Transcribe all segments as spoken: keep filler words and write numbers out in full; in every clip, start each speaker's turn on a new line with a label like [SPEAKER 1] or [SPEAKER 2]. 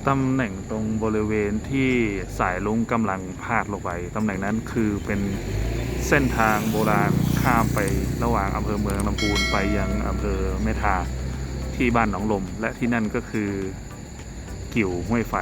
[SPEAKER 1] ตำแหน่งตรงบริเวณที่สายลุงกำลังพาดลงไปตำแหน่งนั้นคือเป็นเส้นทางโบราณข้ามไประหว่างอำเภอเมืองลำพูนไปยังอำเภอแม่ทาที่บ้านหนองลมและที่นั่นก็คือกิ่วห้วยไฟ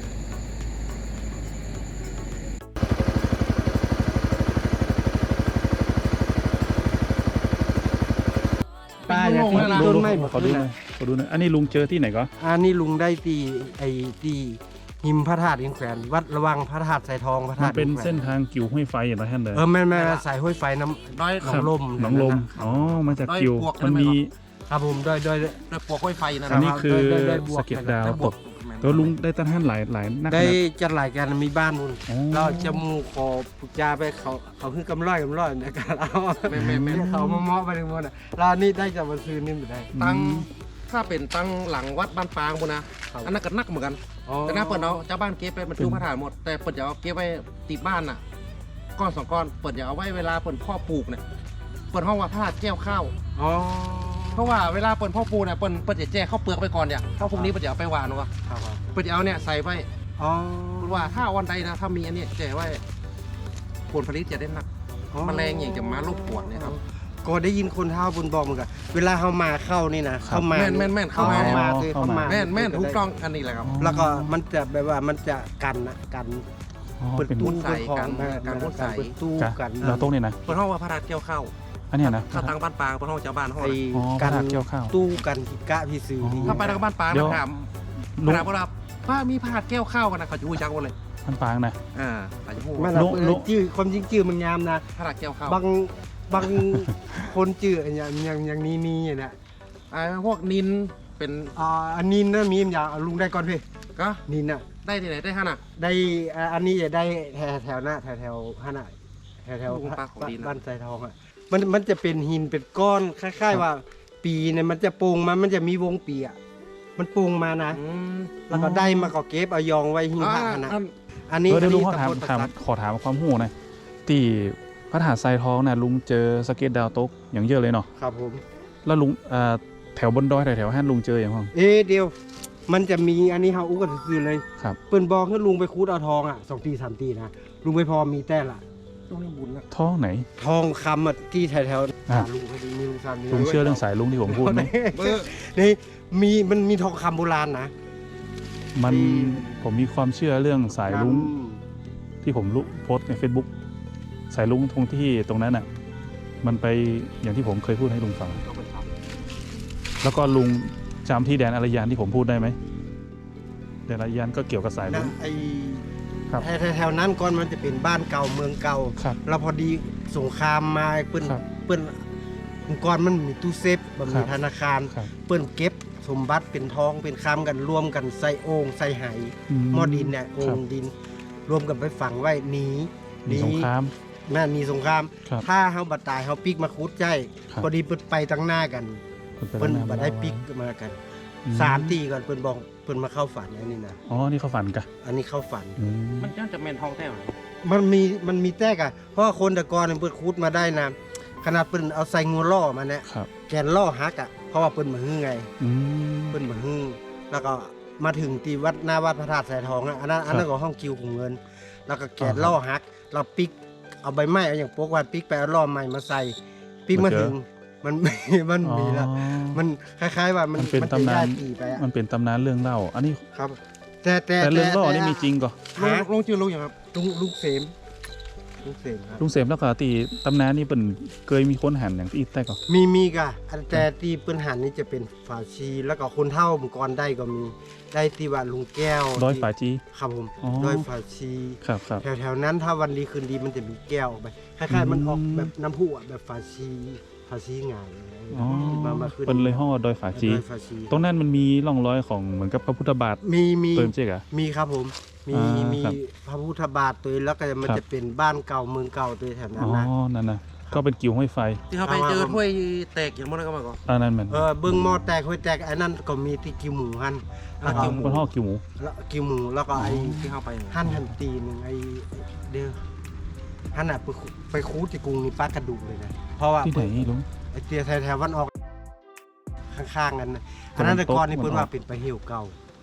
[SPEAKER 2] ป้าอย่าทิ้งต้นไม้หมด
[SPEAKER 1] ขอดูหน่อยขอดูหน่อยอันนี้ลุงเจอที่ไหนก็
[SPEAKER 2] อันนี้ลุงได้ตีไอ้ตีหิมพระธาตุหินแขวนวัดระวังพระธาตุสายทองพระ
[SPEAKER 1] มั
[SPEAKER 2] ธาน ตุ
[SPEAKER 1] เป็น
[SPEAKER 2] หิแขว
[SPEAKER 1] เส้นทางกิ่วห้วยไฟอย่างไรท่านเลย
[SPEAKER 2] เออแม่แม่สายห้วยไฟน้ำ
[SPEAKER 3] ด้อย
[SPEAKER 2] หนองลม
[SPEAKER 1] หนองลม
[SPEAKER 2] ครับ
[SPEAKER 1] อ๋อมาจากกิ่ว
[SPEAKER 3] ด้อยปวก
[SPEAKER 1] มันมี
[SPEAKER 2] ครับผมด้วยด้วย
[SPEAKER 3] ด้อยปลวกห้อยไฟนั่น
[SPEAKER 1] อันนี้
[SPEAKER 3] นะ
[SPEAKER 1] คือ
[SPEAKER 2] ได้ได้บวก
[SPEAKER 1] สะเก็ดดาว
[SPEAKER 3] ได้บ
[SPEAKER 1] ต
[SPEAKER 3] ว
[SPEAKER 1] ก
[SPEAKER 3] ก
[SPEAKER 1] ตัวลุงได้ตั้งท่านหลายหลายนัก
[SPEAKER 2] ได้
[SPEAKER 1] ขนาด
[SPEAKER 2] จัดหลายกันมีบ้านนู่น
[SPEAKER 1] อ๋อ
[SPEAKER 2] เราจะมูขอปุกจาไปเขาเขาขึ้นกำร้อยกำร้อยในการเอา
[SPEAKER 3] ไม่ไม่ไม่
[SPEAKER 2] เขามาเมาะไปทั้งหมดอ่ะเรานี่ได้จากวันซื้อนี่ไม่ได้
[SPEAKER 3] ตั้งถ้าเป็นตั้งหลังวัดบ้านปางบุนะอันนั้นก็นักเหมือนกัน
[SPEAKER 2] อ๋อ
[SPEAKER 3] แต่หน้าเปิดเอาเจ้าบ้านเก็บไปบรรจุพระธาตุหมดแต่เปิดจะเอาเก็บไว้ติดบ้านน่ะก้อนสองก้อนเปิดจะเอาไว้เวลาเปิดพ่อปลูกเนี่ยเปิดห้องว่าพระธาตุแก้วข้าว
[SPEAKER 2] อ๋อ
[SPEAKER 3] เพราะว่าเวลาเปิดพ่อปลูกเนี่ยเปิดเปิดจะแจ้ข้าวเปลือกไปก่อนเนี่ยข้าวพวกนี้เปิดจะเอาไปหวานวะ
[SPEAKER 2] ครับครับ
[SPEAKER 3] เปิดจะเอาเนี่ยใส่ไว้
[SPEAKER 2] อ๋อ
[SPEAKER 3] ว่าถ้าวันใดนะถ้ามีอันเนี้ยแจ้ไว้ผลผลิตจะได้หนัก แมลงอย่างจะมารบกวนเนี่ยครับ
[SPEAKER 2] ก็ได้ยินคนเท่าบนบอกเหมือนกันเวลาเขามาเข้านี่นะเข้ามา
[SPEAKER 3] แม่นแม่นแม่นเข้ามา
[SPEAKER 2] เข้ามาคือเข้ามา
[SPEAKER 3] แม่นแม่นถูกต้องอันนี้แหละครับ
[SPEAKER 2] แล้วก็มันจะแบบว่ามันจะกันนะกัน
[SPEAKER 1] อ๋อ
[SPEAKER 2] เปิด
[SPEAKER 1] เป็น
[SPEAKER 2] ตู้
[SPEAKER 3] มุดใส่
[SPEAKER 2] เปิดของ
[SPEAKER 3] กัน
[SPEAKER 2] นะ
[SPEAKER 3] การมุดใส่
[SPEAKER 2] เปิดตู้
[SPEAKER 1] จ้ะ
[SPEAKER 2] กัน
[SPEAKER 1] เราโต๊ะนี่นะ
[SPEAKER 3] เปิดห้องว่าพระธาตุเกี่ยวข้าว
[SPEAKER 1] อันเนี้ยนะ
[SPEAKER 3] ถ้าตั้งบ้านปางเปิดห้องชาวบ้านห้อง
[SPEAKER 2] ไอ้
[SPEAKER 3] น่ะ
[SPEAKER 1] อ๋อ
[SPEAKER 2] กัน
[SPEAKER 1] พระธาตุเกี่ยวข้าว
[SPEAKER 2] ตู้กันที่กะพี่ซื้อที่
[SPEAKER 3] ถ้าไปทางบ้านปาง
[SPEAKER 1] เดี๋ยว
[SPEAKER 3] นะถาม
[SPEAKER 1] ลุง
[SPEAKER 3] ถามว่าป้ามีพระธาตุเกี่ยวข้าวกันนะเขาจะพูดจักหมดเลย
[SPEAKER 1] มันปางนะ
[SPEAKER 3] อ่าเขาจะพูด
[SPEAKER 2] มัน
[SPEAKER 1] ลุ
[SPEAKER 2] เอา
[SPEAKER 1] ลุ
[SPEAKER 2] จื้อความจริงจื้อมันงามนะ
[SPEAKER 3] พระธาตุเกี่ยวข้าว
[SPEAKER 2] บางบางคนจื้ออย่างอย่างอย่างนี้นี่อย่างเนี้ย
[SPEAKER 3] อ่าพวกนินเป็น
[SPEAKER 2] อ่าอันนี้นะมีมอย่างเอาลุงได้ก่อนพี่
[SPEAKER 3] ก็
[SPEAKER 2] นินน่ะ
[SPEAKER 3] ได้ที่ไหนได้ฮะน่ะ
[SPEAKER 2] ได้อ่าอันนี้จะได้แถวแถวหน้าแถวแถวห้าหน้าแถวแถว
[SPEAKER 3] ลุงปลาของดีนะ
[SPEAKER 2] บ้านสายทองอ่ะมันมันจะเป็นหินเป็นก้อนคล้ายๆว่า ปีเนี่ยมันจะโป่งมามันจะมีวงปีอ่ะมันโป่งมานะ
[SPEAKER 3] อืม
[SPEAKER 2] แล้วก็ได้มาก็เก็บเอายองไว้หิ้ง
[SPEAKER 3] อ่า
[SPEAKER 2] ผ้านะ
[SPEAKER 3] อัน
[SPEAKER 2] อันนี้
[SPEAKER 1] เออ
[SPEAKER 2] อั
[SPEAKER 1] เดี๋ย
[SPEAKER 2] น
[SPEAKER 1] วลุ
[SPEAKER 2] นี้
[SPEAKER 1] งขอถาม
[SPEAKER 2] ตำบล
[SPEAKER 1] ถาม
[SPEAKER 2] ประสัก
[SPEAKER 1] ขอถามความหูหน่อยที่พระธาตุทรายทองน่ะลุงเจอสเก็ตดาวตกอย่างเยอะเลยเนาะ
[SPEAKER 2] ครับผม
[SPEAKER 1] แล้วลุงอ่าแถวบนดอยแถวๆห้านลุงเจออย่างห้อง
[SPEAKER 2] เอ๊ะเดียว มันจะมีอันนี้เฮาอู้กันซื่อๆเลย
[SPEAKER 1] ครับ
[SPEAKER 2] เปิ้นบอกให้ลุงไปคูดเอาทองอ่ะสองตีสามตีนะลุงไม่พอมีแต่ละ
[SPEAKER 3] ตรงนี้บุญนะ
[SPEAKER 1] ท้องไหน
[SPEAKER 2] ทองคำอ่ะที่แถวๆ
[SPEAKER 1] อ่ะ
[SPEAKER 2] ลุงพอดีมีลุงสามมี
[SPEAKER 1] ลุงเชื่อเรื่องสายลุงที่ผมพูดไหม
[SPEAKER 3] เบอร์
[SPEAKER 2] นี่มีมันมีทองคำโบราณนะ
[SPEAKER 1] มันผมมีความเชื่อเรื่องสายลุง
[SPEAKER 2] อืม
[SPEAKER 1] ที่ผมลุโพสต์ใน Facebook สายลุงตรงที่ตรงนั้นอ่ะ มันไปอย่างที่ผมเคยพูดให้ลุงฟัง แล้วก็ลุงจำที่แดนอารยานที่ผมพูดได้ไหมแดนอารยานก็เกี่ยวกับสายลุ
[SPEAKER 2] นะ
[SPEAKER 1] ง
[SPEAKER 2] ไอ้
[SPEAKER 1] ครับ
[SPEAKER 2] แถวๆแถวนั้นก่อนมันจะเป็นบ้านเก่าเมืองเก่า
[SPEAKER 1] ครับ
[SPEAKER 2] แล้วพอดีสงครามมาเปิ้น
[SPEAKER 1] ครับ
[SPEAKER 2] เปิ้นก่อนมันมีตู้เซฟมัน
[SPEAKER 1] ครั
[SPEAKER 2] มี
[SPEAKER 1] บ
[SPEAKER 2] ธนาคาร
[SPEAKER 1] ครับ
[SPEAKER 2] เปิ้นเก็บสมบัติเป็นทองเป็นคำกันรวมกันใส่โอ่งใส่ไหหม้อดินเนี่ยโอ่
[SPEAKER 1] ครับ
[SPEAKER 2] งดิน รวมกันไปฝังไว้หนี
[SPEAKER 1] มีสงคราม
[SPEAKER 2] แม่นมีสงคราม
[SPEAKER 1] ครับ
[SPEAKER 2] ถ้าเฮาบัดตายเฮาปิกมาคุดใจ
[SPEAKER 1] ครับ
[SPEAKER 2] พอดีเปิ้นไปตั้งหน้ากัน เปิ้นบัดได้ปิกมากัน
[SPEAKER 1] อื
[SPEAKER 2] สามตีก่อนเปิ้นบอกเปิ้นมาเข้าฝันอันนี้นะ
[SPEAKER 1] อ๋อนี่เขาฝันกะ
[SPEAKER 2] อันนี้เข้าฝัน
[SPEAKER 1] อืม
[SPEAKER 3] มันจะจะเมนทองแท้ไหม
[SPEAKER 2] มันมีมันมีแตกอะเพราะว่าคนแต่ก่อนเปิ้นคุดมาได้นะขนาดเปิ้นเอาใส่งูล่อมาเนี่ย
[SPEAKER 1] ครับ
[SPEAKER 2] แกนล่อฮักอะเพราะว่าเปิ้นมาฮื้อไง
[SPEAKER 1] อืม
[SPEAKER 2] เปิ้นมาฮื้อแล้วก็มาถึงที่วัดหน้าวัดพระธาตุสายทองอะอันนั้นอันนั้นก็ห้องคิวของเงิน แล้วก็แกนล่อฮัก เราปิกเอาใบไม้เอาอย่างโป๊กว่าปิกไปเอาล่อใหม่มาใส่ปิกมาถึงมัน มันมีแล้ว
[SPEAKER 1] อ๋อ
[SPEAKER 2] มันคล้ายๆว่ามัน
[SPEAKER 1] มันเป็น
[SPEAKER 2] มันจะ
[SPEAKER 1] ตำนาน
[SPEAKER 2] ย้ายปีไปอะ
[SPEAKER 1] มันเป็นตำนานเรื่องเล่า อันนี้
[SPEAKER 2] ครับ แต่แต่
[SPEAKER 1] แต่เรื่องล่อนี่
[SPEAKER 2] แต่
[SPEAKER 1] มีจริงก่อ
[SPEAKER 3] ลง
[SPEAKER 2] ฮะ
[SPEAKER 3] ลงชื่อลุงอย่างครับ
[SPEAKER 2] ลุงลุงเสมลุงเสมครับ
[SPEAKER 1] ลุงเสมแล้วก็ตีตำนานนี่เป็นเคยมีคนหันอย่างที่อีกแต่ก่อ
[SPEAKER 2] มีมีกะอันแต่ที่เปิ้นหันนี่จะเป็นฝาชีแล้วก็คนเท่าเมื่อก่อนได้ก็มีได้ที่ว่าลุงแก้ว
[SPEAKER 1] ร้อย
[SPEAKER 2] ที่
[SPEAKER 1] ฝาจี
[SPEAKER 2] ครับผม
[SPEAKER 1] อ๋อ
[SPEAKER 2] ร้อยฝาชี
[SPEAKER 1] ครับครับ
[SPEAKER 2] แถวๆนั้นถ้าวันดีคืนดีมันจะมีแก้วออกไปคล้ายๆมันออก
[SPEAKER 1] อืม
[SPEAKER 2] แบบน้ำพุอะแบบฝาชีฝาชีหงาย
[SPEAKER 1] อ๋อ
[SPEAKER 2] มามาขึ้น
[SPEAKER 1] เป็นเลยห่อดอยฝาจี
[SPEAKER 2] ร้อยฝาชี
[SPEAKER 1] ตรงนั้นมันมีร่องรอยของเหมือนกับพระพุทธบาท
[SPEAKER 2] มีมี
[SPEAKER 1] เติมเจ๊กอะ
[SPEAKER 2] มีครับผมมี
[SPEAKER 1] อ่ามี
[SPEAKER 2] มี
[SPEAKER 1] ครับ
[SPEAKER 2] พระพุทธบาทตัวแล้วก็มัน
[SPEAKER 1] ครับ
[SPEAKER 2] จะเป็นบ้านเก่าเมืองเก่าตัวแถวนั้
[SPEAKER 1] อ๋
[SPEAKER 2] น
[SPEAKER 1] อ
[SPEAKER 2] นะ
[SPEAKER 1] นั่นนะก็เป็นกิ่วห้อยไฟ
[SPEAKER 3] ที่เขาไปเจอถ้วยแตกอย่างมันก็มาก่อน
[SPEAKER 1] อันนั้นมัน
[SPEAKER 2] เออเบิ้งหม้อแตกห้วยแตกไอ้นั่นก็มีที่กิวหมูหันแล้วก็
[SPEAKER 3] กิวหมู
[SPEAKER 1] เป็นห่อกิ่วหมู
[SPEAKER 2] แล้วกิวหมูแล้วก็ไอ้
[SPEAKER 3] ที่เขาไป
[SPEAKER 2] หั่นหันตีหนึ่งไอ้เด้อหั่นอ่ะไปคุไปคูดที่กรุงนี่ป้ากระดูกเลยนะเพราะว่า
[SPEAKER 1] ที่ไหนลุง
[SPEAKER 2] ไอ้เตียแถวๆวันออกข้างๆกันนะอันนั้นแต่ก่อนนี่เพิ่นว่าเป็นไปเหี่ยวเก่า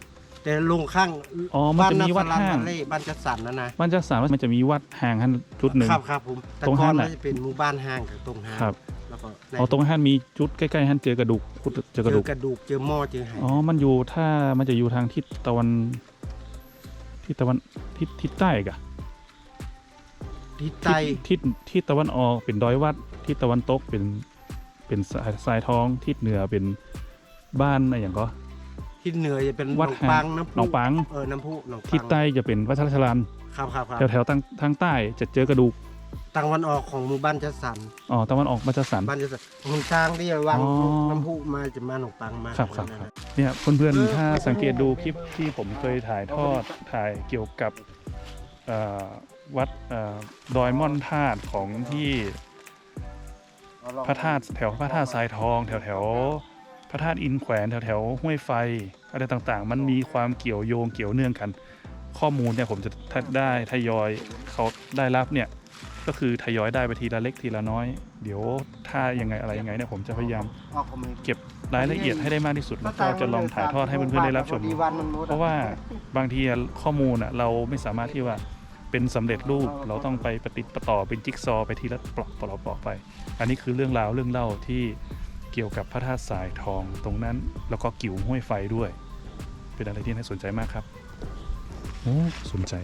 [SPEAKER 2] แต่ลุงข้าง
[SPEAKER 1] อ๋อมันจะมีวัด
[SPEAKER 2] บ้าน
[SPEAKER 1] ห้าง
[SPEAKER 2] นาสลันบ้านเล่บ้านจัดสรรนะนะ
[SPEAKER 1] บ้านจัดสรรมันจะมีวัดห่างหันจุดหนึ่ง
[SPEAKER 2] ครับครับผมแต่
[SPEAKER 1] ตรง
[SPEAKER 2] ก่อ
[SPEAKER 1] ห้าน ง
[SPEAKER 2] มั
[SPEAKER 1] น่ะ
[SPEAKER 2] นจะเป็นหมู่บ้านห้างกับตรงห้าง
[SPEAKER 1] ครับ
[SPEAKER 2] แล้วก็ใน
[SPEAKER 1] อ๋อตรงหันมีจุดใกล้ๆหันเจอกระดูกขุดเจอกระ
[SPEAKER 2] เจ
[SPEAKER 1] ดู
[SPEAKER 2] อก กระดูกเจอหม้อเจอไห
[SPEAKER 1] อ๋อมันอยู่ถ้ามันจะอยู่ทางทิศตะวันทิศตะวันทิศทิศใต้กะ
[SPEAKER 2] ทิศใต้
[SPEAKER 1] ทิศทิศทิศตะวันออกเป็นดอยวัดทิศตะวันตกเป็นเป็นสายทรายทองทิศเหนือเป็นบ้านอะไรอย่างก็
[SPEAKER 2] ทิศเหนือจะเป็นหน
[SPEAKER 1] วั
[SPEAKER 2] อ
[SPEAKER 1] ด
[SPEAKER 2] ง
[SPEAKER 1] ห่าง
[SPEAKER 2] ปังน้ำพุ
[SPEAKER 1] หนองปัง
[SPEAKER 2] เออน้ำพุหนองปัง
[SPEAKER 1] ทิศใต้จะเป็นวัดชรชลาน
[SPEAKER 2] ครับครับครับ
[SPEAKER 1] แถวแถวๆทางทางใต้จะเจอกระดูก
[SPEAKER 2] ตางวันออกของหมู่บ้านจัดสรร
[SPEAKER 1] อ๋อตะวันออกมาจัดสรร
[SPEAKER 2] บ้านจัดสรรหนทางที่วาง
[SPEAKER 1] อ๋อ
[SPEAKER 2] น้ำพุมาจะมาหนองปังมา
[SPEAKER 1] ครับครับ
[SPEAKER 2] นั่น
[SPEAKER 1] ครับ
[SPEAKER 2] น่ะ
[SPEAKER 1] เนี่ยเพื่อน
[SPEAKER 2] เออ
[SPEAKER 1] ๆถ้าสังเกตดูคลิปที่ผมเคยถ่ายทอดถ่ายเกี่ยวกับเอ่อวัดเอ่อดอยม่อนธาตุของที่พระธาตุแถวพระธาตุทรายทอง แถวแถวๆพระธาตุอินแขวนแถวแถวๆห้วยไฟอะไรต่างๆ มันมีความเกี่ยวโยงเกี่ยวเนื่องกัน ข้อมูลเนี่ยผมจะได้ทยอยเขาได้รับเนี่ยก็คือทยอยได้ไปทีละเล็กทีละน้อย เดี๋ยวถ้ายังไงอะไรยังไงเนี่ยผมจะพยายาม
[SPEAKER 2] ออกของมัน
[SPEAKER 1] เก็บรายละเอียดให้ได้มากที่สุดแล้วก็จะลองถ่ายทอดให้เพื่อนๆได้รับชม
[SPEAKER 2] ดีวันมันหมด
[SPEAKER 1] เพราะว่าบางทีข้อมูลอ่ะเราไม่สามารถที่ว่าเป็นสำเร็จรูป เราต้องไปประติดประต่อเป็นจิ๊กซอว์ไปทีละปลอกปลอกปลอกไป อันนี้คือเรื่องราวเรื่องเล่าที่เกี่ยวกับพระธาตุทรายทองตรงนั้น แล้วก็กิ่วห้วยไฟด้วย เป็นอะไรที่น่าสนใจมากครับโอ้สนใจ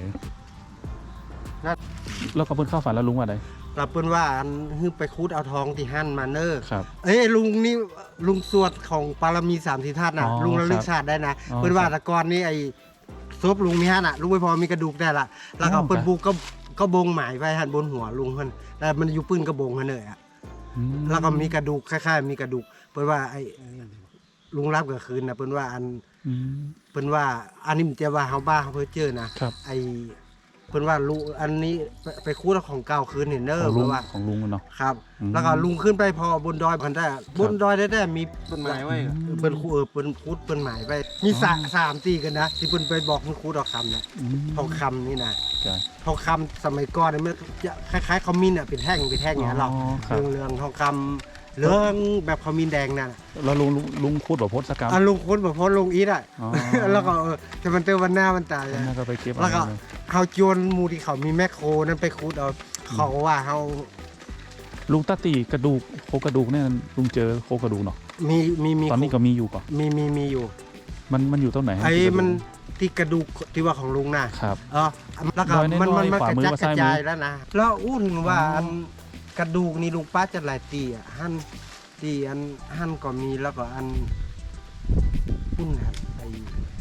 [SPEAKER 1] แล้วก็เพิ่นเข้าฝันแล้วลุงว่าอะไร
[SPEAKER 2] เราเปิ้นว่าอันฮึไปคูดเอาทองที่หั่นมาเนอร์
[SPEAKER 1] ครับ
[SPEAKER 2] เอ้ยลุงนี่ลุงสวดของปารมีสามสิทธาตุนะ
[SPEAKER 1] อ๋อ
[SPEAKER 2] ลุงระลึ
[SPEAKER 1] ค
[SPEAKER 2] ก
[SPEAKER 1] รับ
[SPEAKER 2] ชาติได้นะ
[SPEAKER 1] อ๋อ
[SPEAKER 2] เปิ้นว่า
[SPEAKER 1] ครับ
[SPEAKER 2] แตะกอนนี่ไอ้ศพลุงนี่ฮะน่ะลุงไม่พอมีกระดูกได้ละแล้วก็
[SPEAKER 1] อ๋อ
[SPEAKER 2] เปิ้น
[SPEAKER 1] ครับ
[SPEAKER 2] ปูก็ก็บงหมายไว้หันบนหัวลุงเพิ่นแต่มันอยู่ปืนกระบงหั่นเลยอ่ะ
[SPEAKER 1] อืม
[SPEAKER 2] แล้วก็มีกระดูกคล้ายๆมีกระดูกเปิ้นว่าไอ้ลุงรับกลางคืนน่ะเปิ้นว่าอัน
[SPEAKER 1] อืม
[SPEAKER 2] เปิ้นว่าอันนี้มันจะว่าเฮาบ้าเฮาเพิ่นเจอนะครับ ไอ้เปิ้นว่าลุงอันนี้ไปไปคูดเอาของเก่าคืนเห็นเด้
[SPEAKER 1] ข
[SPEAKER 2] อ
[SPEAKER 1] องลุ
[SPEAKER 2] เพิ่
[SPEAKER 1] ง
[SPEAKER 2] นว่า
[SPEAKER 1] ของลุงเนาะ
[SPEAKER 2] ครับ
[SPEAKER 1] อืม
[SPEAKER 2] แล้วก็ลุงขึ้นไปพอบนดอยพันได้บนดอยได้ได้มี
[SPEAKER 3] ต้นไม้ไว้อะ
[SPEAKER 2] เปิ้นคูเออเปิ้นคูดเปิ้นหมายไปมีสะสามตีกันนะที่เปิ้นไปบอกมันคูดเอาคำเนี่ย
[SPEAKER 1] อืม
[SPEAKER 2] ทองคำนี่นะ
[SPEAKER 1] จ้ะ
[SPEAKER 2] ทองคำสมัยก่อนเนี่ยมันจะคล้ายๆขมิ้นอ่ะเป็นแท่งเป็นแท่งอย่างนั้นหรอก
[SPEAKER 1] อ๋อครับ
[SPEAKER 2] เรื่องเรื่องทองคำเหลืองแบบขมิ้นแดงนั่นน่ะ
[SPEAKER 1] แล้วลุงลุงลุงพูดแบบโพสต์กรรม
[SPEAKER 2] อ่ะลุงคุ้นแบบพอลุงอีทอ่ะ
[SPEAKER 1] อ๋อ
[SPEAKER 2] แล้วก็เออแต่มันเจอวันหน้ามันตาย
[SPEAKER 1] แล้ว
[SPEAKER 2] อะ
[SPEAKER 1] น่าก็ไปเก็บ
[SPEAKER 2] แล้วก็
[SPEAKER 1] เอาเลย
[SPEAKER 2] เฮาโจรหมู่ที่เขามีแมคโครนั่นไปคูดเอาเขาว่าเฮา
[SPEAKER 1] ลุงตาตีกระดูกโครงกระดูกเนี่ยลุงเจอโครงกระดูกเนาะ
[SPEAKER 2] มีมีมี
[SPEAKER 1] ตอนนี้ก็มีอยู่ก่อน
[SPEAKER 2] มีมีมีอยู่
[SPEAKER 1] มันมันอยู่ตรงไหนฮะ
[SPEAKER 2] ไอ้
[SPEAKER 1] ที่กระดูก
[SPEAKER 2] มันที่กระดูกที่ว่าของลุงน่ะ
[SPEAKER 1] ครับ
[SPEAKER 2] เออแล้วก็
[SPEAKER 1] รอยน้อยๆ
[SPEAKER 2] มันมันมัน
[SPEAKER 1] ขวาก
[SPEAKER 2] ระ
[SPEAKER 1] มือ
[SPEAKER 2] จัด
[SPEAKER 1] กับ
[SPEAKER 2] กระ
[SPEAKER 1] ซ้ายมือ
[SPEAKER 2] จายแล้วนะแล้วอู้ถึงว่า
[SPEAKER 1] อ๋ออั
[SPEAKER 2] อันกระดูกนี่ลุงป้าจะหลายตีอ่ะหั่นตีอันหั่นก็มีแล้วก็อันพุ่นครับไอ้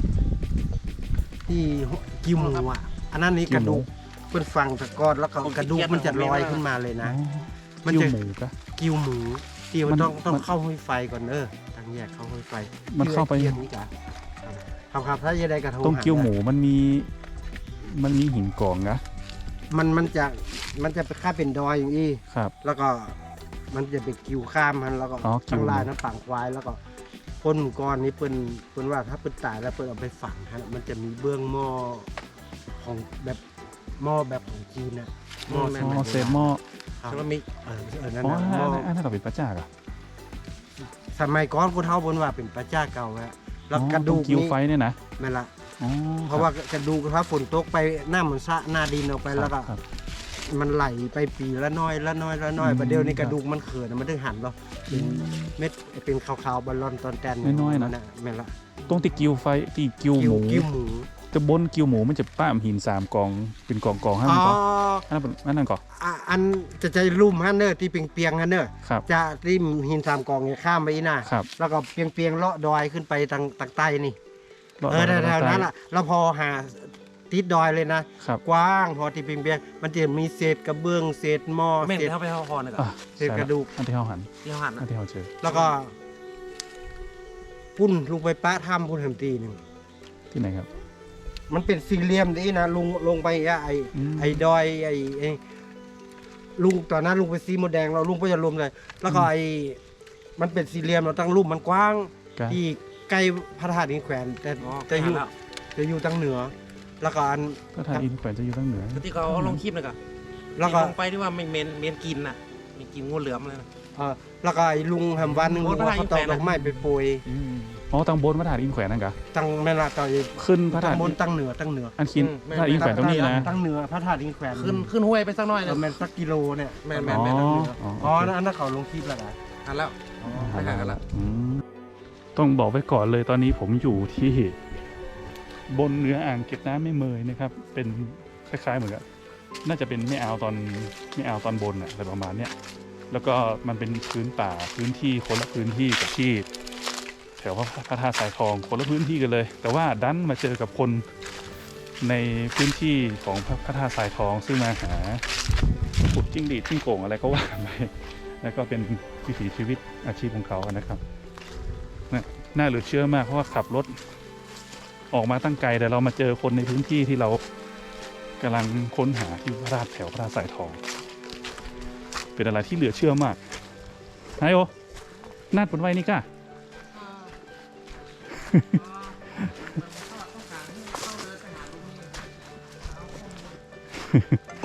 [SPEAKER 2] ที่กิ้วหมูอ่ะอันนั้นนี่กระดูกเป็นฝังตะกอนแล้วก็กระดูกมันจะลอยขึ้นมาเลย
[SPEAKER 1] อ๋อ
[SPEAKER 2] นะ มั
[SPEAKER 1] มัน
[SPEAKER 2] น
[SPEAKER 1] จะ
[SPEAKER 2] จะ
[SPEAKER 1] หมูกะ
[SPEAKER 2] กิ้วหมูที่
[SPEAKER 1] มั
[SPEAKER 2] มัน
[SPEAKER 1] น
[SPEAKER 2] ต้องต้อง
[SPEAKER 1] มัน
[SPEAKER 2] เข้าห้วยไฟก่อนเออทางแยกเข้าห้วยไฟ
[SPEAKER 1] มันเข้าไป
[SPEAKER 2] เกี่ยวนี่จ้ะครับครับถ้าจะได้กระทง
[SPEAKER 1] ต้มเกี๊ยวหมูมันมีมันมีหินกองนะ
[SPEAKER 2] มันมันจะมันจะไปค่าเป็นดอยอย่างนี้
[SPEAKER 1] ครับ
[SPEAKER 2] แล้วก็มันจะไปกิ้วข้ามมันแล้วก็
[SPEAKER 1] อ๋อกิ้ว
[SPEAKER 2] ทางลายน้ำฝังควายแล้วก็พ่นหมูก้อนนี้เปิ้นเปิ้นว่าถ้าเปิ้นตายแล้วเปิ้นเอาไปฝังฮะมันจะมีเบื้องหม้อของแบบหม้อแบบของจีนน่ะหม้อ
[SPEAKER 1] อ๋อเศษหม้อ
[SPEAKER 2] ครับ
[SPEAKER 3] แล้วก็มี
[SPEAKER 2] เออเออนั่น
[SPEAKER 1] อ๋อ
[SPEAKER 2] น่ะหม้อ
[SPEAKER 1] อันนั้นอันนั้นก็เป็นพระเจ้าอะ
[SPEAKER 2] สมัยก่อนผู้เฒ่าเปิ้นว่าเป็นพระเจ้าเก่าแล้วแล้ว
[SPEAKER 1] อ๋อก
[SPEAKER 2] ระดูก
[SPEAKER 1] ตงกิ้ว
[SPEAKER 2] นี่
[SPEAKER 1] ไฟเนี่ยนะ
[SPEAKER 2] แม่นละ
[SPEAKER 1] อ๋อ
[SPEAKER 2] เพราะว่ากระดูกถ้าฝนตกไปหน้ามันสะหน้าดินออกไป
[SPEAKER 1] ครับ
[SPEAKER 2] แล้วก็
[SPEAKER 1] ครับ
[SPEAKER 2] มันไหลไปปีละน้อยละน้อยละน้อย
[SPEAKER 1] อืม
[SPEAKER 2] ประเดี๋ยวนี้
[SPEAKER 1] ครั
[SPEAKER 2] ก
[SPEAKER 1] บ
[SPEAKER 2] ระดูกมันเขินมันถึงหันเนาะเป็นเม็ดเป็นขาวๆบอลลอนตอนแตน
[SPEAKER 1] น้อยๆนะ
[SPEAKER 2] แม่นละ
[SPEAKER 1] ตรงที่กิ้วไฟที่กิ้วหมู
[SPEAKER 2] กิ้วหมู
[SPEAKER 1] แต่บนกิ้วหมูมันจะป้ามหินสามกองเป็นกองกองๆให้
[SPEAKER 2] อ๋
[SPEAKER 1] มัน
[SPEAKER 2] อ
[SPEAKER 1] ก่อนอันนั้นเป็นอันนั้นก่อน
[SPEAKER 2] อ่ะอันจะใจลุ่มฮันเนอร์ที่เปียงๆฮันเนอร์
[SPEAKER 1] ครับ
[SPEAKER 2] จะริมหินสามกองเนี่ยข้ามไปอีน่ะ
[SPEAKER 1] ครับ
[SPEAKER 2] แล้วก็เปียงๆเลาะดอยขึ้นไปทางทางใต้นี่
[SPEAKER 1] รด
[SPEAKER 2] เออ
[SPEAKER 1] รด
[SPEAKER 2] แถวๆนั้น
[SPEAKER 1] รด
[SPEAKER 2] ล่ะแล้วพอหาติดดอยเลยนะ
[SPEAKER 1] ครับ
[SPEAKER 2] กว้างพอที่เปียงๆมันจะมีเศษกระเบื้องเศษหม้อ
[SPEAKER 3] แม่น
[SPEAKER 2] เศษ
[SPEAKER 3] เท่าไปเท่าคอนะค
[SPEAKER 1] อ่ะ
[SPEAKER 3] รับ
[SPEAKER 2] เศษกระดูก
[SPEAKER 1] อันที่เขาหัน
[SPEAKER 3] ที่เขาหัน
[SPEAKER 1] อัน
[SPEAKER 3] นะ
[SPEAKER 1] ที่เขาเจอ
[SPEAKER 2] แล้วก็พุ่นลุงไปป้าถ้ำพุ่นแหมตีหนึ่ง
[SPEAKER 1] ที่ไหนครับ
[SPEAKER 2] มันเป็นสี่เหลี่ยมนี่นะลุงลงไปอ่ะไอ
[SPEAKER 1] อืม
[SPEAKER 2] ไอดอยไอไอลุงตอนนั้นลุงไปซีโมดแดงเราลุงก็จะรวมเลย แล้วก็ไอมันเป็นสี่เหลี่ยมเราตั้งรูปมันกว้าง
[SPEAKER 1] ครับ
[SPEAKER 2] ที่ใกล้พระธาตุอินแขวนแต่
[SPEAKER 3] อ๋อ
[SPEAKER 2] จะอยู่
[SPEAKER 3] หันแล้ว
[SPEAKER 2] จะอยู่ทางเหนือ แล้วก็อัน
[SPEAKER 1] พระธาตุอินแขวนจะอยู่ทางเหนือ
[SPEAKER 3] ที่เขาเอาลงคลิปนะครั
[SPEAKER 2] แล้วก็
[SPEAKER 3] ลงไปที่ว่าไม่เมนเมนกินน่ะมีกินงูเหลือมเลยนะ
[SPEAKER 2] เออแล้วก็ไอลุงแฮมวันหนึ่ง
[SPEAKER 3] โอ้
[SPEAKER 2] ลุงว่าเขาตอก
[SPEAKER 3] พระธาตุอินแขวน
[SPEAKER 2] ดอกไม้ไปโปรย
[SPEAKER 1] อืมอ๋อตังบนพระธาตุอินแขวนนั่นกะ
[SPEAKER 2] ตั้งแม่นละต่อย
[SPEAKER 1] ขึ้นพระธา
[SPEAKER 2] ตั้
[SPEAKER 1] ตุ
[SPEAKER 2] งบนตั้งเหนือตั้งเหนือ
[SPEAKER 1] อันคินพระธาตุอินแขวนตรงนี้นะ
[SPEAKER 2] ตั้งเหนือพระธาตุอินแขวน
[SPEAKER 3] ขึ้นขึ้นห้วยไปสักหน่อย
[SPEAKER 2] เอ
[SPEAKER 3] นะ
[SPEAKER 2] อแม่นสักกิโลเนี่ย
[SPEAKER 3] แม่นแม่
[SPEAKER 1] อ๋
[SPEAKER 3] น
[SPEAKER 1] อ
[SPEAKER 3] แม่น
[SPEAKER 1] อ๋อ
[SPEAKER 2] อ๋อนั่นอันนั้นเขาลงคลิปแล้วนะ
[SPEAKER 3] อันแล้ว ไปหากันละ
[SPEAKER 1] อืมต้องบอกไว้ก่อนเลยตอนนี้ผมอยู่ที่บนเนื้ออ่างเก็บน้ำแม่เมยนะครับ เป็นคล้ายๆเหมือนกับน่าจะเป็นแม่อ่าวตอนแม่อ่าวตอนบนอะอะไรประมาณเนี้ยแล้วก็มันเป็นพื้นป่าพื้นที่คนละพื้นที่กับที่แถวพระธาตุสายทองคนละพื้นที่กันเลย แต่ว่าดันมาเจอกับคนในพื้นที่ของพระธาตุสายทอง ซึ่งมาหาขุดจิ้งหรีดจิ้งโก่งอะไรก็ว่าไปแล้วก็เป็นวิถีชีวิตอาชีพของเขานะครับนะน่าเหลือเชื่อมากเพราะว่าขับรถออกมาตั้งไกลแต่เรามาเจอคนในพื้นที่ที่เรากำลังค้นหาที่พระธาตุแถวพระธาตุสายทอง เป็นอะไรที่เหลือเชื่อมากไฮโอนาดบนไว้นี่ก้า
[SPEAKER 3] ต้องการเข้าเลยไปหาตรงนี้